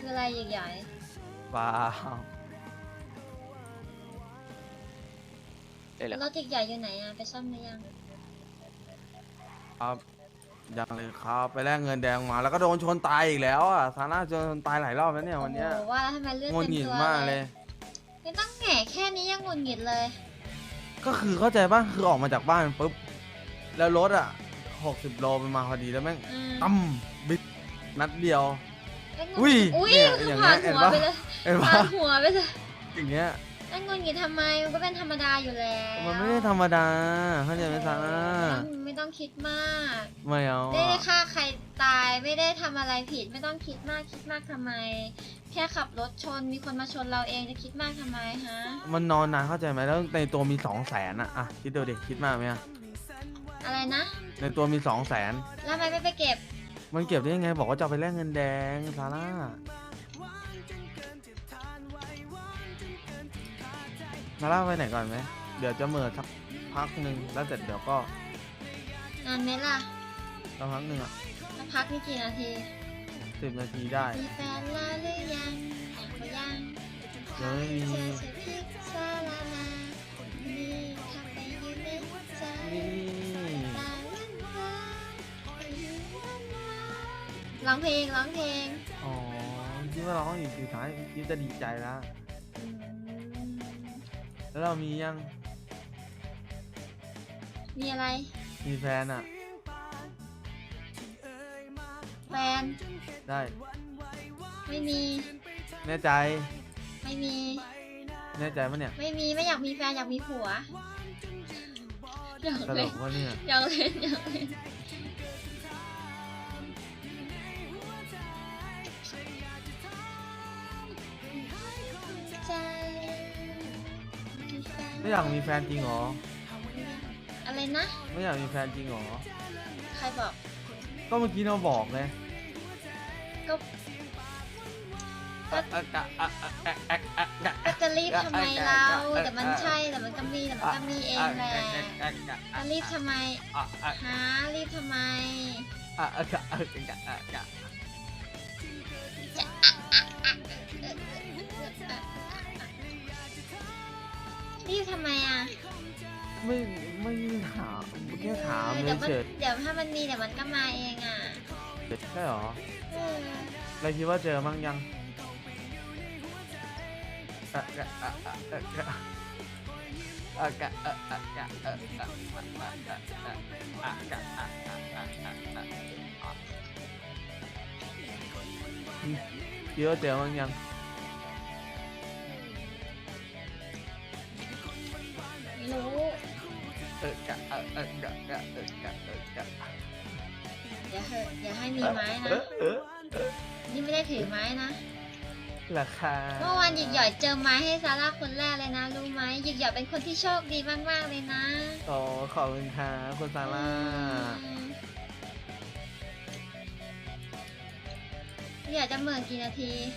คืออะไรใหญ่เปล่าๆรถใหญ่ๆอยู่ไหนอะไปซ่อมหรือยังครับยังเลยครับไปแลกเงินแดงมาแล้วก็โดนชนตายอีกแล้วอ่ะซาร่าโดนตายหลายรอบแล้วเนี่ยโอ้วันโหเนี้ยว่าแล้วทำไมเลือดงุนเต็มหงิดตัวมากเลเลย ยไม่ต้องแหง่แค่นี้ยังงุนหงิดเลยก็คือเข้าใจป่ะคือออกมาจากบ้านปุ๊บแล้วรถอ่ะ60 โลมันมาพอดีแล้วแม่งอืมตั้มบิดนัดเดียวแล้วงุนอุ้ยอุ้ยเนี่ยคืออย่างผ่าเงี้นยหัวเห็นปะไปเลยเห็นปะผ่านหัวไปเลยอย่างเงี้ยแล้วงุนหงิดทำไมมันก็เป็นธรรมดาอยู่แล้วมันไม่ได้ธรรมดาเข้าใจไหมซาร่าไม่ต้องคิดมากไม่เอาไม่ได้อะฆ่าใครตายไม่ได้ทำอะไรผิดไม่ต้องคิดมากทำไม แค่ขับรถชนมีคนมาชนเราเองจะคิดมากทำไมฮะมันนอนนานเข้าใจไหมแล้วในตัวมี200,000อ่ะคิดดูดิคิดมากไหมอะอะไรนะในตัวมี200,000 แล้วทำไมไม่ไปเก็บมันเก็บได้ยังไงบอกว่าจะเอาไปแลกเงินแดงซาร่าซาร่าไปไหนก่อนไหมเดี๋ยวจะเหมื่อสักพักหนึ่งแล้วเสร็จเดี๋ยวก็นานไหมล่ะสักพักหนึ่งอ่ะแล้วพักนี่กี่นาที 10 นาทีได้มีแฟนแล้วหรือยังเขายังยังไม่มีเธอจะพิกซาลาลานี่ทำไปยืนในใจนี่ตาวันวานร้องเพลงอ๋อคิดว่าเราต้องอยู่สุดท้ายคิดจะดีใจแล้วอืมแล้วเรามียังมีอะไรมีแฟนอ่ะแฟนได้ไม่มีแน่ใจไม่มีแน่ใจปะเนี่ยไม่มีไม่อยากมีแฟนอยากมีผัวอยากตลเล่นกวะเนี่ยอยากเล่นอยากเล่นใจมีแฟนไม่อยากมีแฟนจริงเหรออะไรนะไม่อยากมีแฟนจริงเหรอใครบอกก็เมื่อกี้เราบอกไงก็ก็จะรีบทำไมเราแต่มันใช่แต่มันก็มีแต่มันก็มีเองแหละจะรีบทำไมหารีบทำไมรีบทำไมอ่ะไม่ได้ถามแค่ถามเดี๋ยวมันเฉยเดี๋ยวถ้ามันมีเดี๋ยวมันก็มาเองอ่ะๆใช่เหรอเออเราคิดว่าเจอมั้งยังคิดว่าเจอมั้งยังไม่รู้อย่าเหอะอย่าให้มีไม้นะนี่ไม่ได้ถือไม้นะราคาเมื่อวานหยิกหย่อยเจอไม้ให้ซาร่าคนแรกเลยนะรู้ไหมหยิกหย่อยเป็นคนที่โชคดีมากๆเลยนะโอ้ขอบคุณค่ะคุณซาร่าอยากจะเหมื่อกี่นาที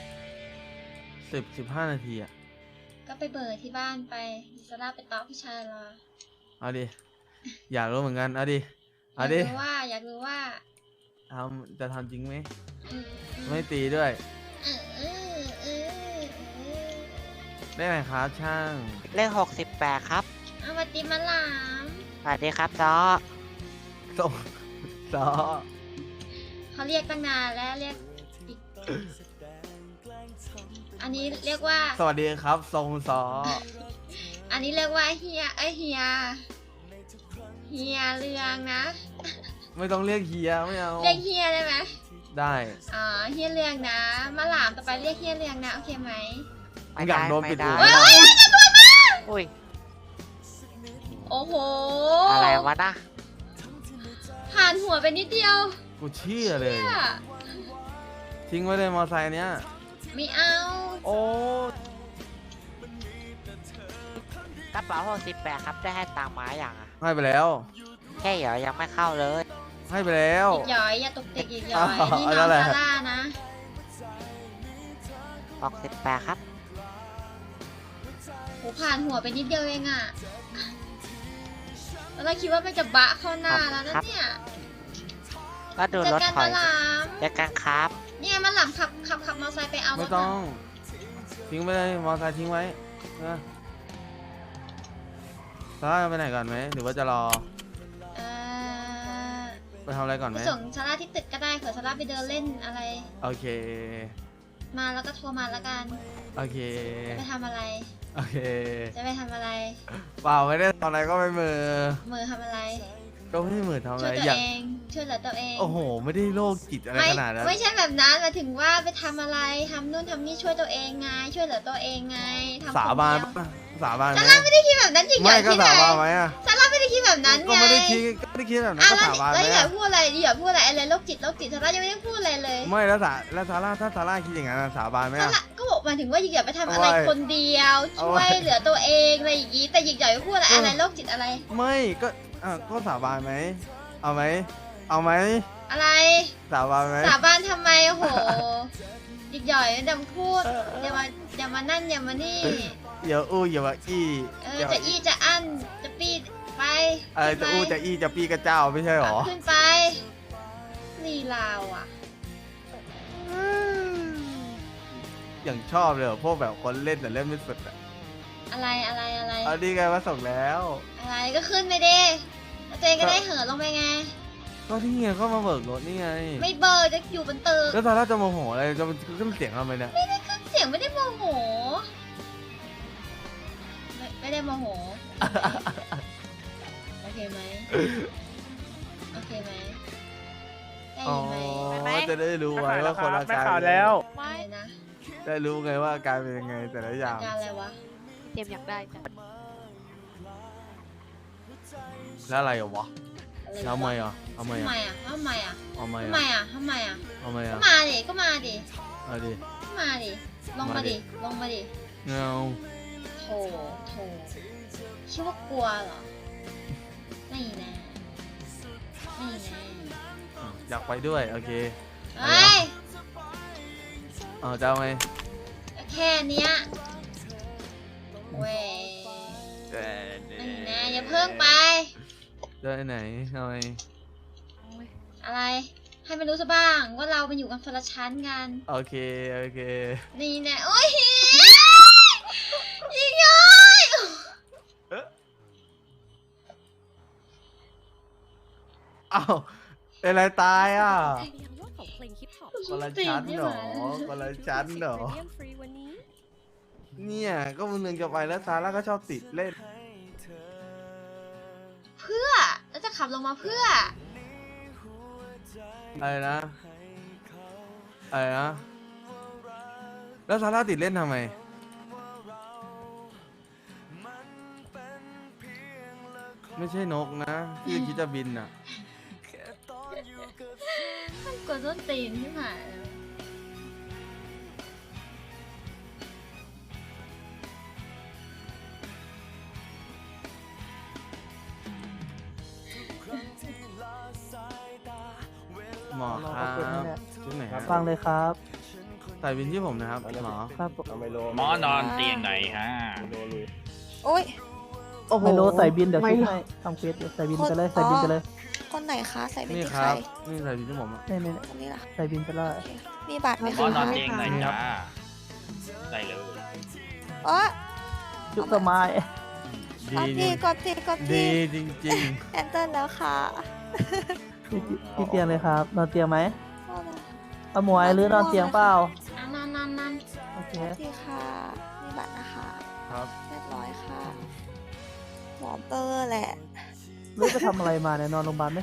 15 นาทีอ่ะก็ไปเบิร์ที่บ้านไปซาร่าไปต๊อกผู้ชายรอเอาดิ อยากรู้เหมือนกัน เอาดิ เอาดิอยากรู้ว่าจะทำจริงไหมอืมไม่ตีด้วยเออเออเออเออได้ไหมครับช่างเลข68ครับเอาวัติมาหลามสวัสดีครับจอส่งซอเขาเรียกตั้งนานแล้วเรียกอีกอันนี้เรียกว่าสวัสดีครับทรงซออันนี้เรียกว่าเฮียเฮียเรืองนะไม่ต้องเรียกเฮียไม่เอาเรียกเฮียได้ไหมได้อ๋อเฮียเรืองนะมาหลามต่อไปเรียกเฮียเรืองนะโอเคไหมอยากโดนปิดหูโอ้ยไม่โอ้ยได้จะโดนมาอุ้ยโอ้โหอะไรวะนะผ่านหัวไปนิดเดียวกูเชื่อเลยเนี่ยทิ้งไว้เลยมอไซค์เนี้ยไม่เอาโอ้กระเป๋า68ครับได้ให้ตังค์มาอย่างอ่ะให้ไปแล้วแค่เดี๋ยวยังไม่เข้าเลยให้ไปแล้วอีกหย่อยอย่าตกติกอีกหย่อยอ๋อนี่น้นั่องนแหละซาร่านะ 68ครับโหผ่านหัวไปนิดเดียวเองอะแล้วเราคิดว่ามันจะบะเข้าหน้าแล้วนะเนี่ยก็ดูเจอรถกันถอมาย หลามเจอกันครับเนี่ไงมันหลังขับมอเตอร์ไซค์ไปเอารไม่ถต้องน่ะทิ้งไปเลยมอเตอร์ไซค์ทิ้งไว้นะซาร่าจะไปไหนก่อนไหมหรือว่าจะรอเอ่อไปทำอะไรก่อนไปไหมส่งซาร่าที่ตึกก็ได้เผื่อซาร่าไปเดินเล่นอะไรโอเคมาแล้วก็โทรมาแล้วกันโอเคจะไปทำอะไรโอเคจะไปทำอะไรเปล่าไม่ได้ทำอะไรก็ไปมือมือทำอะไรก็ไม่ได้มือทำอะช่ไรวยตัวอย่างเองช่วยเหลือตัวเองโอ้โห ไม่ได้โรคจิตอะไรไม่ขนาดนั้นไม่ใช่แบบนั้นหมายถึงว่าไปทำอะไรทำนู่นทำนี่ช่วยตัวเองไงช่วยเหลือตัวเองไงทำสาบานคนเดียวปะสาบานไหมซาร่าไม่ได้คิดแบบนั้นจริงๆไม่ก็ที่ไหนสาบานไหมอะซาร่าไม่ได้คิดแบบนั้นก็ไงไม่ได้คิดแบบนั้นอ่ะก็แล้วสาบานไหแล้มวอย่าอะพูดอะไรอะไรโรคจิตซาร่ายังไม่ได้พูดอะไรเลยไม่แล้วซาร่าถ้าซาร่าคิดอย่างนั้นอะสาบานไหมซาอะร่าก็บอกหมายถึงว่าหยิกอย่าไปทำอะไรเอาไว้คนเดียวเอาช่ไว้วยเหลือตัวเองอะไรอย่างงี้แต่หยิกอย่าไปพูดอะไรเออออะไรโรคจิตอะไรไม่ก็ก็สาบานไหมเอาไหมเอาไหมอะไรสาบานไหมสาบานทำไมโอ้โหหยิกหย่อยดำพูดอย่ามานั่นอย่ามานี่อย่าอู้อย่าว่าอี้จะอี้จะอั้นจะปีดไปอะไรขึ้นจะไปอู้จะอี้จะปี้กระเจ้าไม่ใช่หรอขึ้นไปลีลาวอ่ะอย่างชอบเลยเหรอพวกแบบคนเล่นแต่เล่นไม่สุดอะอะไรเอาดีไงว่าส่งแล้วอะไรก็ขึ้นไปดิแล้วตัวเองก็ได้เหินลงไปไงก็ที่ไงก็มาเบิกรถนี่ไงไม่เบอร์จะอยู่บนตึกแล้วซาร่าจะโมโหอะไรจะขึ้นเสียงทำไมเนี่ยเสียงไม่ได้โมโหไม่ได้โมโหโอเคไหมโอเคไหมได้อ๋อยินไหมจะได้รู้ไว้ว่าคนอาไม่การข่าวแล้วอะไรนะได้รู้ไงว่าอาการเป็นยังไงแต่ละอย่างการอะไรวะเจมอยากได้จ้ะแล้วอะไรวะอะไรทำไมอ่ะทำไมทำไมอ่ะอ่ะทำไมอ่ะทำไมทำไมอ่ะอ่ะทำไมอ่ะทำไมก็อ่ะมาดิก็มาดิเอาดิก็มาดิลงมาดิลงมาดิเงาโถคิดว่ากลัวเหรอไม่นะไม่นะอยากไปด้วยโอเคเฮ้ยเอาจะเอาไงแค่เนี้ยเว้ยเอ่อไม่นะอย่าเพิ่งไปจะไปไหนเอาไงอะไร ให้มันรู้ซะบ้างว่าเราเป็นอยู่กันคนละชั้นกันโอเคโอเคนี่นะโอ้ยยิงย้อยเอ้าเป็นอะไรตายอ่ะพยายามยอดของเพลงฮิปฮอปคนละชั้นเหรอคนละชั้นเหรอเรียนฟรีวันนี้เนี่ยก็มึงนึงจะไปแล้วซาร่าก็ชอบติดเล่นเพื่อแล้วจะขับลงมาเพื่ออะไรนะอะไรนะแล้วซาร่าติดเล่นทำไม ไม่ใช่นกนะที่คิดจะบินอ่ะกดต้นตีนที่ผ่านหมอครับชุดไหนครับฟังเลยครับใส่บินที่ผมนะครับหมอครับผมหมอนอนเตียงไหนฮะโอ้ยไมโลใส่บินเดี๋ยวช่วยให้ทำเควสอยู่ใส่บินไปเลยใส่บินไปเลยคนไหนคะ ใส่เป็นนี่ที่คใครรับนี่ใส่บินที่ผมอะนี่คนนี้ล่ะใส่บินไปเลยโอเคมีบัตรไหมหมอคะนอนเตียงไหนจ้าได้เลยอ๋อจุกต้นไม้ดีกดทีกดดีทีจริงแอนเตอร์แล้วค่ะที่เตียงเลยครับ นอนเตียงไหมโอ้ยเอาหมวยหรือนอนเตียงเปล่านั่นโอเคกดทีค่ะ มีบัตรนะคะๆ ครับเรียบร้อยค่ะ หมอเปอร์แหละหรือไปทำอะไรมาเนี่ยนอนโรงพยาบาลไหม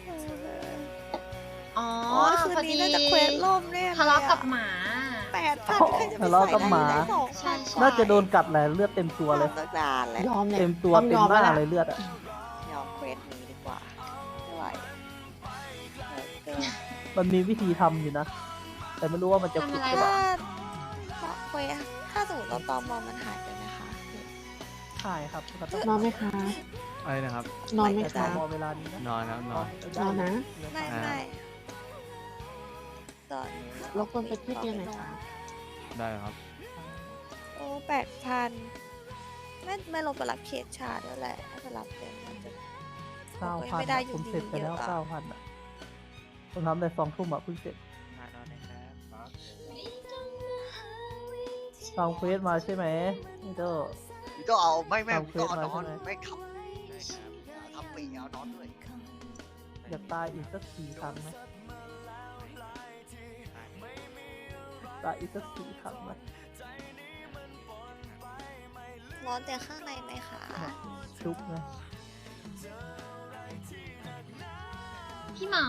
อ๋ออ๋อคืนพอนี้ดีน่าจะเควสล่มเนี่ยทะเลาะกับหมา 8,000ใครจะไปใส่ได้2,000 ใช่ใช่น่าจะโดนกัดแหละเลือดเต็มตัวเลยตั้งนานแหละยอมเลยเต็มตัวต้องเต็ยมอมหน้าแล้วเลยเลือดอ่ะยอมเควสนี้ดีกว่าไม่ไหวเกินมันมีวิธีทำอยู่นะ แต่ไม่รู้ว่ามันจะผิดหรือเปล่าถ้าเควสถ้าสมมติเราตอมมันหายไปไหมคะใช่ครับก็ต้องนอนไหมคะอะไรนะครับนอนไหมแต่คะพอเวลานี้นะนอนครับนอนนอนนะไม่ไม่ตอนนี้รบกวนไปที่เตียงหน่อยค่ะได้ครับโอ้8,000ไม่ลงไปรับเคสชาด้วยแหละถ้าไปรับเต็มมันจะ 9,000 ไม่ได้อยู่ผมเสร็จไปแล้วเยอะอะ 9,000อ่ะผมทำได้2 ทุ่มอ่ะเพิ่งเสร็จมานอนนะครับทำเควสมาใช่ไหมนี่โตก็เอาไม่ทำเควสก็เอานอนมาใช่ไหมไม่ขับทำปีเอานอนด้วยอยากตายอีกสัก4 ครั้งไหมตายอีกสัก4 ครั้งไหมร้อนแต่ข้างในไหมคะชุบไหมพี่หมอ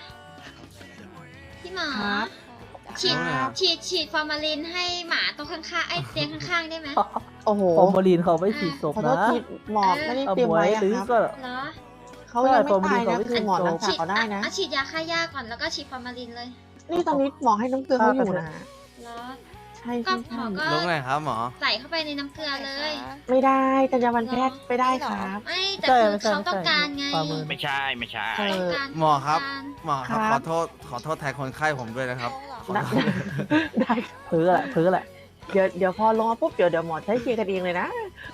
พี่หมอครับฉีดฟอร์มาลินให้หมาตรงข้างๆไอ้เตียงข้างๆได้ไหมโอ้โหฟอร์มาลีนเขาไม่ฉีดศพขอโทนะษทีหมอไม่ได้เอาเตรียมไว้ไว้อะหรือครับก็เหรอเขายังไม่ตายใช่นะผมคือหมอไม่รักษาเขาได้นะฉีดยาฆ่าหญ้าก่อนแล้วก็ฉีดฟอร์มาลินเลยนี่ตอนนี้หมอให้น้ำเกลือเขาอยู่นะเหรอใช่ก็ใช่หมอใช่ก็ลุกหน่อยครับหมอใส่เข้าไปในน้ำเกลือเลยไม่ได้จรรยาบรรณแพทย์ไม่ได้ครับไม่แต่ใช่คือไม่ใช่เขาต้องการไงฝ่ามือไม่ใช่ไม่ใช่เออต้องการหมอครับต้องการหมอครับครับขอโทษแทนคนไข้ผมด้วยนะครับได้ได้เพ้อแหละเพ้อแหละเดี๋ยวพอลงมาปุ๊บเดี๋ยวหมอใช้เคลียร์กันเองเลยนะ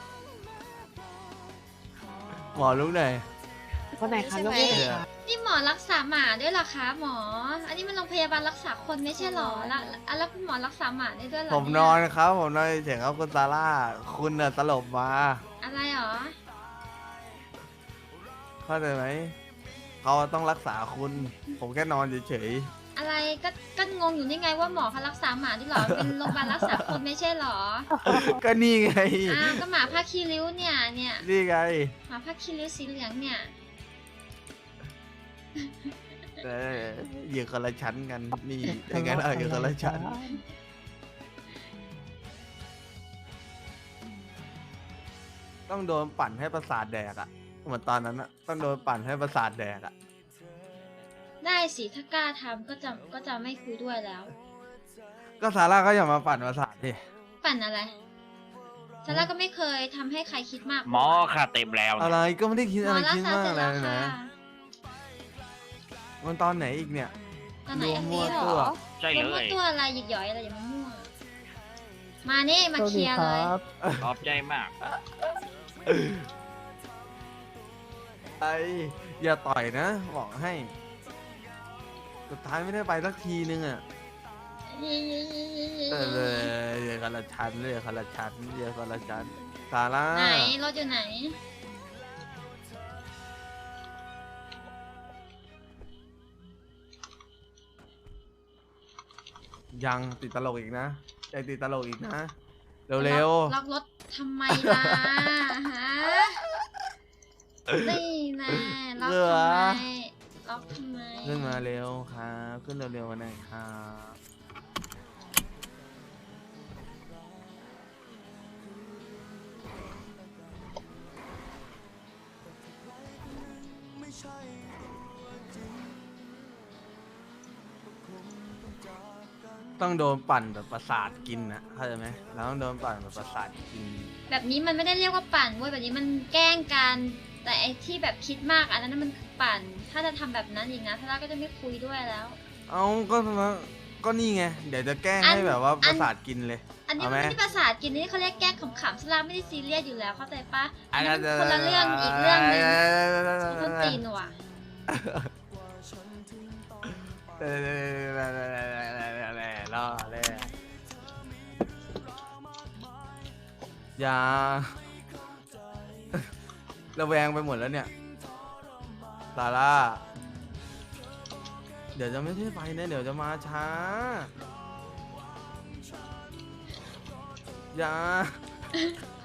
หมอลุกหน่อยคนไหนคะยกมือหน่อยค่ะนี่หมอรักษาหมาด้วยเหรอคะหมอ อันนี้มันโรงพยาบาลรักษาคนไม่ใช่เหรอแล้วคุณหมอรักษาหมาได้ด้วยเหรอผมเยนอนครับ ผมนอนเฉยๆครับคุณซาร่า คุณน่ะตลบมาอะไรหรอเข้าใจไหม เขาต้องรักษาคุณ ผมแค่นอนเฉยอะไรก็งงอยู่นี่ไงว่าหมอเขารักษาหมาด้วยเหรอ เป็นโรงพยาบาลรักษาคนไม่ใช่เหรอๆ ก็นี่ไงก็หมาผ้าคีริ้วเนี่ยนี่ไงหมาผ้าคีริ้วสีเหลืองเนี่ยเอออยู่คนละชั้นกัน นี่อย่างนั้นอยู่คนละชั้น ต้องโดนปั่นให้ประสาทแดกอะเหมือนตอนนั้นอะต้องโดนปั่นให้ประสาทแดกอะได้สิถ้ากล้าทำก็จะไม่คุยด้วยแล้วก็ซาร่าก็อย่ามาปั่นประสาทดิปั่นอะไรซาร่าก็ไม่เคยทำให้ใครคิดมากหมอค่ะเต็มแล้วอะไรก็ไม่ได้คิดหมอะไรอรักคิดษามากเสร็จอะไรแล้วนะค่ะมันตอนไหนอีกเนี่ยตอนไหนรวมอันมั่นี้วเหรตัวอใช่รเลวมมั่วย ตัวอะไรหยิกหย่อยอะไรอย่ามามั่ว มานี่มาโชคเคดีลียร์คเลยรับขอบใจมากไออย่าต่อยนะบอกให้ สุดท้ายไม่ได้ไปสักทีนึงอ่ะอย่าคนละชั้นเลยคนละชั้นอย่าคนละชั้นซาร่าไหนรถอยู่ไหนยังติดตลกอีกนะยังติดตลกอีกนะ เร็วล็อกรถทำไมล่ะฮะนี่นะล็อกทำไมล็อกทำไมๆขึ้นมาเร็วครับขึ้นเร็วๆมาหน่อยครับ ต้องโดนปั่นแบบประสาทกินนะเข้าใจไหมเราต้องโดนปั่นแบบประสาทกินแบบนี้มันไม่ได้เรียกว่าปั่นเว้ยแบบนี้มันแกล้งกันแต่ไอ้ที่แบบคิดมากอันนั้นมันคือปั่น ถ้าจะทำแบบนั้นอีกนะทาร่าก็จะไม่คุยด้วยแล้วเอาก็นี่ไง เดี๋ยวจะแกล้งอันให้แบบว่าอันประสาทกินเลยอันนี้เอามันไหมไม่ได้ประสาทกินนี่เขาเรียกแกล้งขำๆซาร่าไม่ได้ซีเรียสอยู่แล้วเข้าใจปะอัอันนนั้นั้น นคนละเรื่องอีกเรื่องหนึงต้นตีนว่ะรอเลยอย่าระแวงไปหมดแล้วเนี่ยซาร่า เดี๋ยวจะไม่ได้ไปนะเดี๋ยวจะมาช้า อย่า